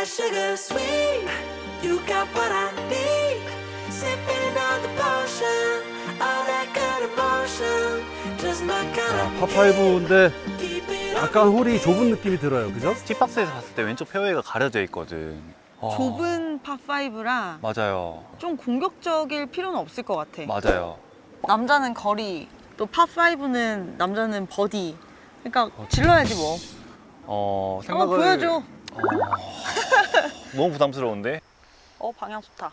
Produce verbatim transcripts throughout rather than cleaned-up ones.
that sugar sweet. You got what I need. Sipping on the potion, all that good emotion. Just my kind of 파파이브인데 keep it on. 약간 홀이 좁은 느낌이 들어요, 그죠? 티박스에서 봤을 때 왼쪽 페어웨이가 가려져 있거든. 어, 좁은 파파이브라 맞아요. 좀 공격적일 필요는 없을 것 같아. 맞아요. 남자는 거리, 또 파파이브는 남자는 버디. 그러니까 질러야지 뭐. 어, 한번 생각을 보여줘. 어, 너무 부담스러운데. 어, 방향 좋다.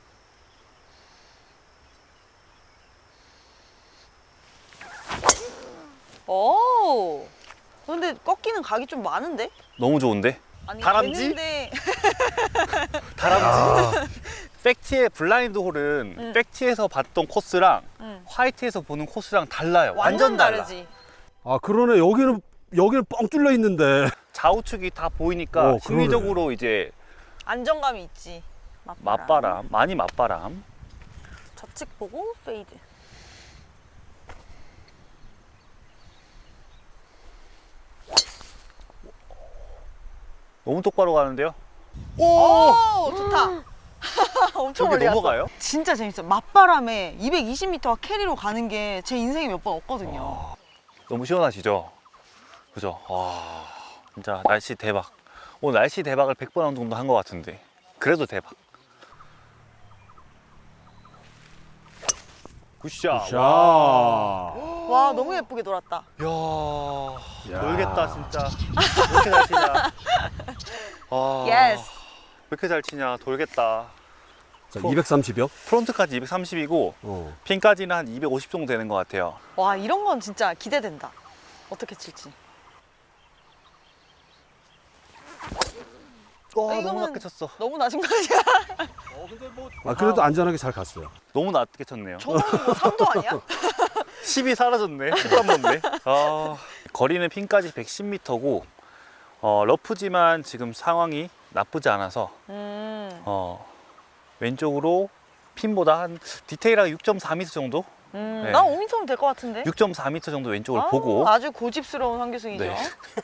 오. 근데 꺾이는 각이 좀 많은데? 너무 좋은데. 아니, 다람쥐? 되는데 다람쥐. 팩티의 블라인드 홀은 응. 팩티에서 봤던 코스랑 응. 화이트에서 보는 코스랑 달라요. 완전 완전 달라. 다르지. 아, 그러네. 여기는 여기는 뻥 뚫려 있는데. 좌우측이 다 보이니까 어, 그러네. 심리적으로 이제 안정감이 있지. 맞바람, 많이 맞바람. 좌측 보고 페이드. 너무 똑바로 가는데요. 오! 오, 좋다. 엄청 저기 멀리 갔어. 넘어가요? 진짜 재밌어. 맞바람에 이백이십 미터 캐리로 가는 게 제 인생에 몇 번 없거든요. 너무 시원하시죠? 그죠? 와, 진짜 날씨 대박. 오늘 날씨 대박을 백 번 정도 한 것 같은데 그래도 대박. 굿샷. 자. 와, 너무 예쁘게 돌았다. 이야, 야. 놀겠다 진짜. 왜 이렇게 잘 치냐. 와, 예스. 왜 이렇게 잘 치냐. 돌겠다. 자, 이백삼십이요? 프론트까지 이백삼십이고 어. 핀까지는 한 이백오십 정도 되는 것 같아요. 와, 이런 건 진짜 기대된다. 어떻게 칠지. 와, 아, 너무 이거는- 낮게 쳤어. 너무 낮은 거 아니야? 아, 그래도 안전하게 잘 갔어요. 너무 낮게 쳤네요. 저거는 뭐 삼 도 아니야? 십이 사라졌네. 십삼 번네. 아, 거리는 핀까지 백십 미터고 어, 러프지만 지금 상황이 나쁘지 않아서 음, 어, 왼쪽으로 핀보다 한 디테일하게 육 점 사 미터 정도? 음, 네. 난 오 미터면 될 것 같은데? 육 점 사 미터 정도 왼쪽을 아우, 보고 아주 고집스러운 황규승이죠. 네.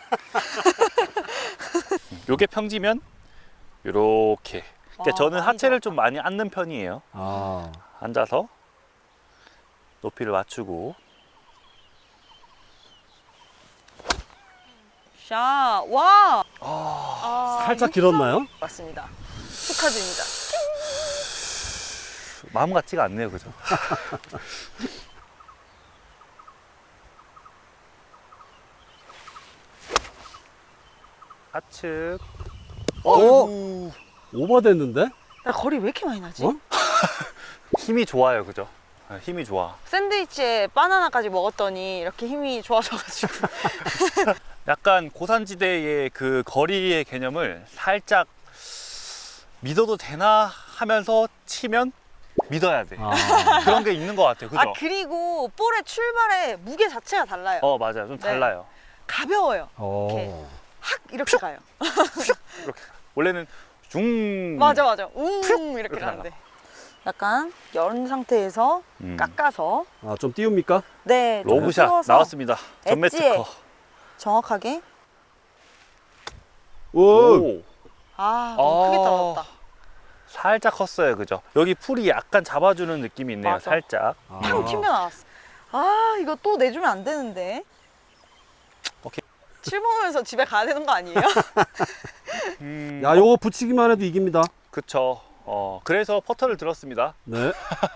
요게 평지면 요렇게. 그러니까 와, 저는 많이 하체를 들어갔다. 좀 많이 앉는 편이에요. 아. 앉아서 높이를 맞추고. 샤, 와! 아, 아, 살짝 육성 길었나요? 맞습니다. 축하드립니다. 마음 같지가 않네요, 그죠? 좌측. 어이구. 오버됐는데? 나 거리 왜 이렇게 많이 나지? 어? 힘이 좋아요, 그죠? 아, 힘이 좋아. 샌드위치에 바나나까지 먹었더니 이렇게 힘이 좋아져가지고. 약간 고산지대의 그 거리의 개념을 살짝 믿어도 되나 하면서 치면 믿어야 돼. 아. 그런 게 있는 것 같아요, 그죠? 아, 그리고 볼의 출발의 무게 자체가 달라요. 어, 맞아요. 좀 네. 달라요. 가벼워요. 어. 확 이렇게 가요. 이렇게. 원래는 중. 맞아, 맞아. 웅 이렇게 이렇게 가는데. 약간 연 상태에서 음. 깎아서 아, 좀 띄웁니까? 네, 좀 로브샷 띄워서 나왔습니다. 전매 엣지에 특허. 정확하게. 오. 오. 아, 너무 크게 아. 떨어졌다. 살짝 컸어요, 그죠? 여기 풀이 약간 잡아주는 느낌이 있네요, 맞아. 살짝. 아. 팡 튕겨 나왔어. 아, 이거 또 내주면 안 되는데. 오케이. 칠 번에서 집에 가야 되는 거 아니에요? 음, 야, 요거 붙이기만 해도 이깁니다. 그쵸. 어, 그래서 퍼터를 들었습니다. 네.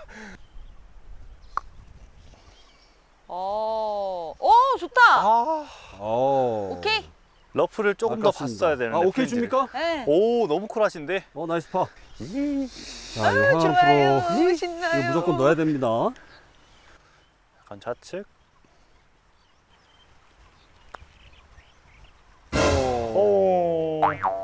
어, 오, 좋다. 아, 어. 오케이. 러프를 조금 더 아깝습니다. 봤어야 되는데. 아, 오케이 프린지를. 줍니까? 네. 오, 너무 쿨하신데? 어, 나이스 파. 자, 이거 하나 좋아요. 프로. 신나요. 이거 무조건 넣어야 됩니다. 약간 좌측. 오.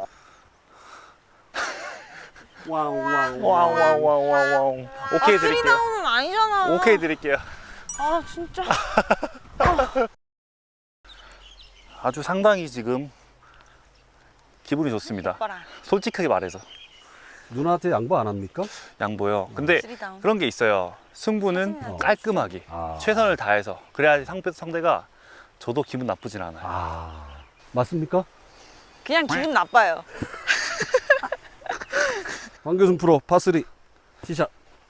왕왕. 와우와우와우와우. 오케이 아, 드릴게요. 쓰리다운은 아니잖아. 오케이 드릴게요. 아, 진짜. 아주 상당히 지금 기분이 좋습니다. 오빠랑 솔직하게 말해서. 누나한테 양보 안 합니까? 양보요. 근데 쓰리다운. 그런 게 있어요. 승부는 어. 깔끔하게 아. 최선을 다해서 그래야지 상대, 상대가 저도 기분 나쁘진 않아요. 아. 맞습니까? 그냥 기분 나빠요. 황교순 프로 파쓰리 티샷.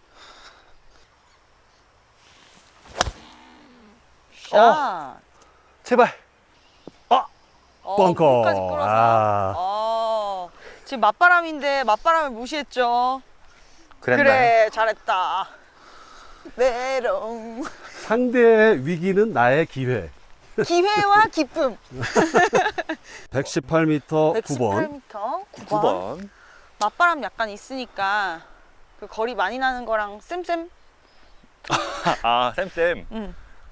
샷. 제발. 어, 벙커. 끝까지 끌어서. 아. 어, 지금 맞바람인데 맞바람을 무시했죠. 그랬나요? 그래, 잘했다. 메롱. 상대의 위기는 나의 기회. 기회와 기쁨. 백십팔 미터 구 번. 백십팔 미터 구 번. 구 번. 맞바람 약간 있으니까 그 거리 많이 나는 거랑 쌤쌤. 아, 쌤쌤. 응.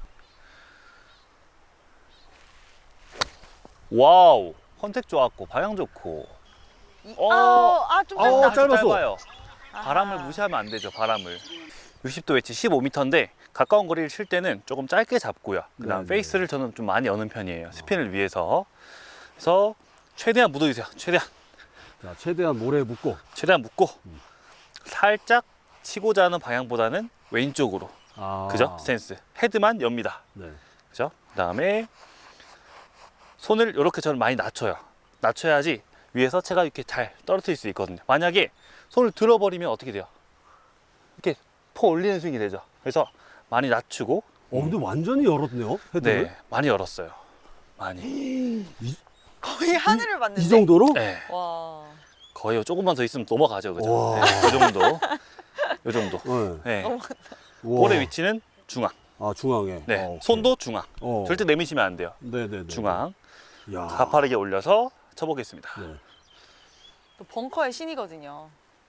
와우. 컨택 좋았고 방향 좋고. 이- 어. 아우, 아, 좀 어, 짧다. 짧았어. 짧아요. 아하. 바람을 무시하면 안 되죠. 바람을. 육십 도 웨지 십오 미터인데 가까운 거리를 칠 때는 조금 짧게 잡고요. 그다음 네네. 페이스를 저는 좀 많이 여는 편이에요. 스핀을 위해서. 그래서 최대한 묻어주세요. 최대한. 자, 최대한 모래에 묶고. 최대한 묶고 살짝 치고자 하는 방향보다는 왼쪽으로. 아. 그죠? 스탠스. 헤드만 엽니다. 네. 그죠? 그다음에 손을 이렇게 저는 많이 낮춰요. 낮춰야지 위에서 채가 이렇게 잘 떨어뜨릴 수 있거든요. 만약에 손을 들어버리면 어떻게 돼요? 이렇게 포 올리는 스윙이 되죠. 그래서 많이 낮추고. 어, 근데 완전히 열었네요. 헤드를. 네, 많이 열었어요. 많이. 거의 하늘을 봤는데. 이 정도로? 네, 와. 거의 조금만 더 있으면 넘어가죠, 그죠? 와. 네, 이 정도, 이 정도. 네. 네, 넘어갔다. 우와. 볼의 위치는 중앙. 아, 중앙에. 네, 아, 오케이. 손도 중앙. 어. 절대 내미시면 안 돼요. 네네네. 중앙. 야. 가파르게 올려서 쳐보겠습니다. 네. 또 벙커의 신이거든요.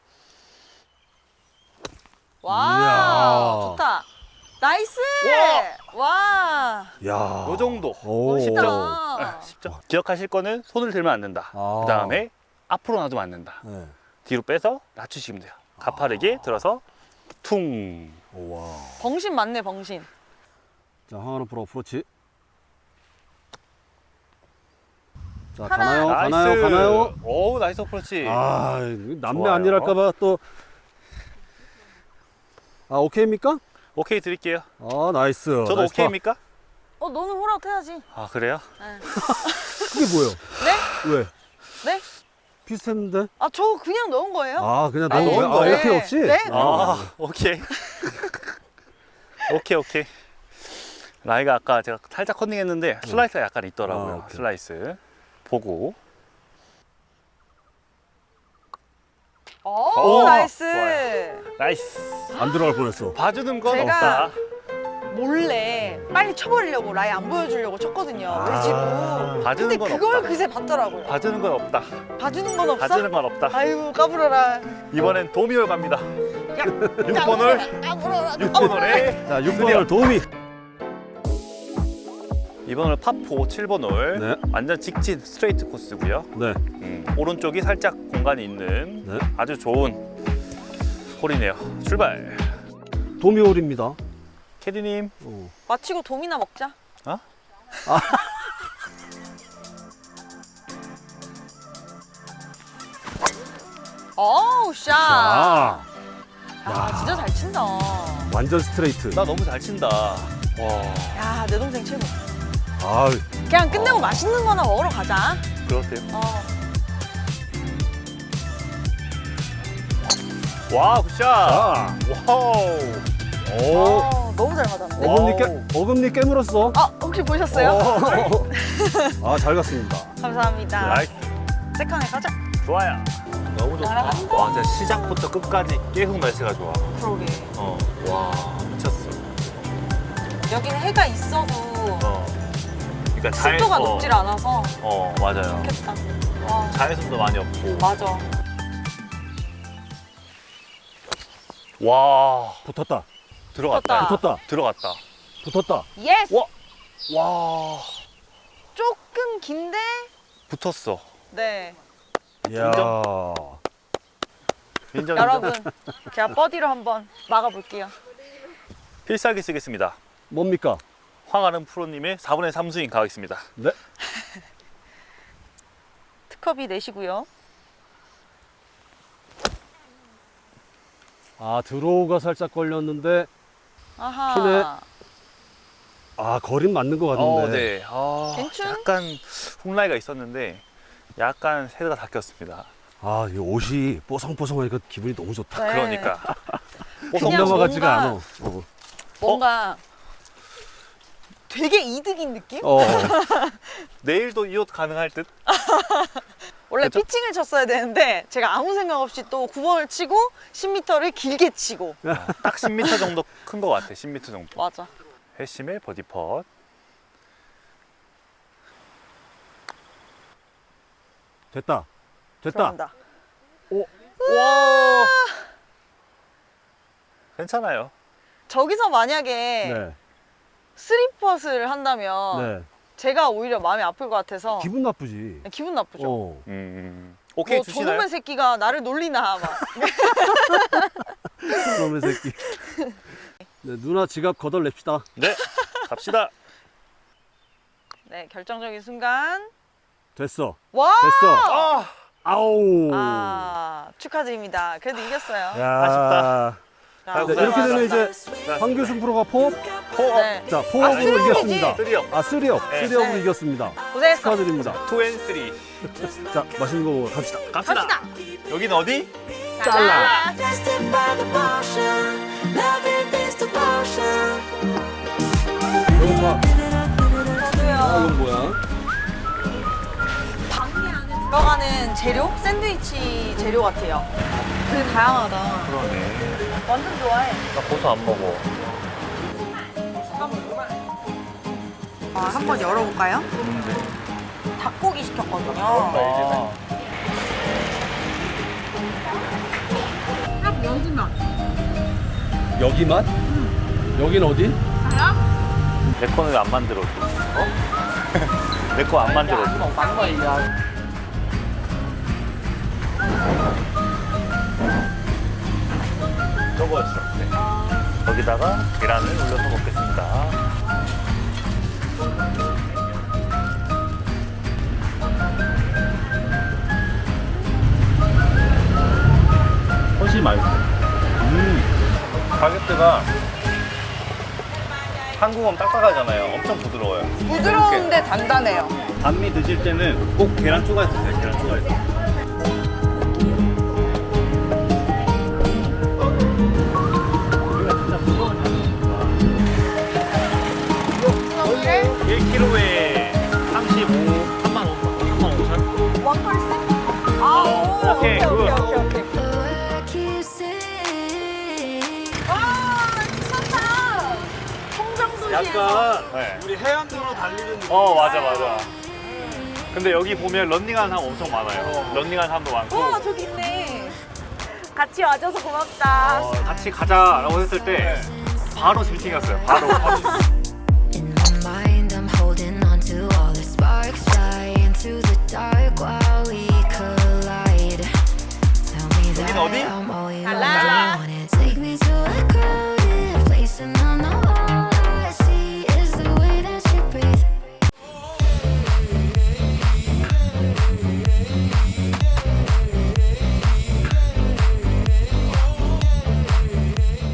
와, 이야. 좋다. 나이스. 와. 야. 요 정도. 오. 쉽죠? 멋있다. 네, 쉽죠? 기억하실 거는 손을 들면 안 된다. 아. 그 다음에 앞으로 놔두면 안 된다. 네. 뒤로 빼서 낮추시면 돼요. 가파르게 들어서 퉁. 와. 벙신 맞네, 벙신. 자, 황하는 프로 어프로치. 자, 하나. 가나요? 가나요? 가나요? 오, 나이스 어프로치. 아, 남매 좋아요. 아니랄까봐 또. 아, 오케이입니까? 오케이 드릴게요. 아, 나이스. 저도 나이스 파. 오케이입니까? 어, 너는 홀아웃 해야지. 아, 그래요? 네. 그게 뭐예요? 네? 왜? 네? 비슷했는데? 아, 저 그냥 넣은 거예요. 아, 그냥 아, 넣은 넣은 거야? 아, 거예요? 오케이 없이? 네? 아, 오케이. 오케이, 오케이. 라이가 아까 제가 살짝 컨닝했는데 슬라이스가 약간 있더라고요. 아, 오케이. 슬라이스. 보고. 오, 오, 나이스. 좋아요. 나이스. 안 들어갈 뻔했어. 봐주는 건 제가 없다. 몰래 빨리 쳐버리려고 라이 안 보여주려고 쳤거든요. 아. 외지고. 봐주는 근데 건 그걸 없다. 그새 봤더라고요. 봐주는 건 없다. 봐주는 건 없어? 봐주는 건 없다. 아이고, 까불어라. 이번엔 도미홀 갑니다. 야, 육 번 홀. 까불어라. 육 번 홀에 자, 육 번 홀 도우미. 이번 홀 파포 칠 번 홀. 네. 완전 직진 스트레이트 코스고요. 네. 음, 오른쪽이 살짝 공간이 있는 네. 아주 좋은 홀이네요. 출발. 도미 홀입니다. 캐디님. 어. 마치고 돔이나 먹자. 어? 어우, 샷. 자, 아, 진짜 잘 친다. 완전 스트레이트. 나 너무 잘 친다. 와, 야, 내 동생 최고. 아, 그냥 끝내고 맛있는 거나 먹으러 가자. 그렇대요. 어. 와, 굿샷. 자. 와우. 오. 어, 너무 잘 맞았는데. 어금니 깨, 어금니 깨물었어. 아, 혹시 보셨어요? 어. 아, 잘 갔습니다. 감사합니다. 나이스. 세컨에 가자. 좋아요. 너무 좋다. 날아간다. 와, 진짜 시작부터 끝까지 계속 날씨가 좋아. 그러게. 어, 와, 미쳤어. 여기는 해가 있어도 어. 그러니까 잘- 습도가 어, 높질 않아서 어, 맞아요. 좋겠다. 와, 자외선도 많이 없고. 맞아. 와, 붙었다. 들어갔다. 붙었다. 붙었다. 들어갔다. 붙었다. 예스! 와, 와, 조금 긴데? 붙었어. 네. 이야. 인정, 여러분, 인정. 제가 버디로 한번 막아볼게요. 필살기 쓰겠습니다. 뭡니까? 황아름 프로님의 사분의 삼 스윙 가겠습니다. 네. 특허비 내시고요. 아, 드로우가 살짝 걸렸는데, 아하. 피네. 아, 거린 맞는 것 같은데. 어, 네. 아, 괜찮? 약간 훅라이가 있었는데 약간 헤드가 다 꼈습니다. 아, 이 옷이 뽀송뽀송하니까 기분이 너무 좋다. 네. 그러니까. 그냥 동남아 같지가 뭔가- 않아. 어. 뭔가 되게 이득인 느낌? 어. 내일도 이 옷 가능할 듯? 원래 그쵸? 피칭을 쳤어야 되는데 제가 아무 생각 없이 또 구 번을 치고 십 미터를 길게 치고. 딱 십 미터 정도 큰 것 같아. 십 미터 정도. 맞아. 회심의 버디 펫. 됐다. 됐다. 들어간다. 와. 괜찮아요. 저기서 만약에 네. 쓰리퍼스를 한다면 네. 제가 오히려 마음이 아플 것 같아서 기분 나쁘지. 기분 나쁘죠. 어. 음. 오케이 뭐 주시나요? 저놈의 새끼가 나를 놀리나 막. 그놈의 새끼. 네, 누나 지갑 걷어냅시다. 네. 갑시다. 네, 결정적인 순간. 됐어. 와! 됐어. 아. 아우. 아, 축하드립니다. 그래도 이겼어요. 야. 아쉽다. 자, 네, 네, 이렇게 되면 이제 자, 황교승 프로가 포, 포. 네. 자 아, 포업으로 쓰리업이지? 이겼습니다. 쓰리업. 아 쓰리업, 네. 쓰리업으로 네. 이겼습니다. 고생했어. 축하드립니다. 투 앤 쓰리. 자 맛있는 거 먹으러 갑시다. 갑시다. 갑시다. 여긴 어디? 잘라. Justify the motion. Loving is devotion. 이거 봐. 아 저도요. 이건 뭐야? 방개 안에 들어가는 재료? 샌드위치 재료 같아요. 되게 다양하다. 그러네. 완전 좋아해. 나 고소 안 먹어. 아, 한번 열어볼까요? 닭고기 시켰거든요. 아. 여기 맛? 여긴 어디? 내 거는 왜 안 만들어줘? 어? 내 거 안 만들어줘. 저거였어. 네. 여기다가 계란을 올려서 먹겠습니다. 훨씬 맛있어. 음. 가격대가 한국은 딱딱하잖아요. 엄청 부드러워요. 부드러운데 단단해요. 반미 드실 때는 꼭 계란 추가해서 드세요. 계란 추가해서. 일 킬로그램에 삼십오, 삼만 오천, 삼만 오천. 원펄스? 아, 오, 오케이, 오케이, 오케이, 굿. 오케이, 오케이. 와, 미쳤다. 송정도시에서. 네. 우리 해안도로 달리는 느낌. 어, 맞아, 맞아. 근데 여기 보면 런닝하는 사람 엄청 많아요. 런닝하는 사람도 많고. 와, 저기 있네. 같이 와줘서 고맙다. 어, 같이 가자라고 했을 때 바로 실팅했어요. 바로. 바로.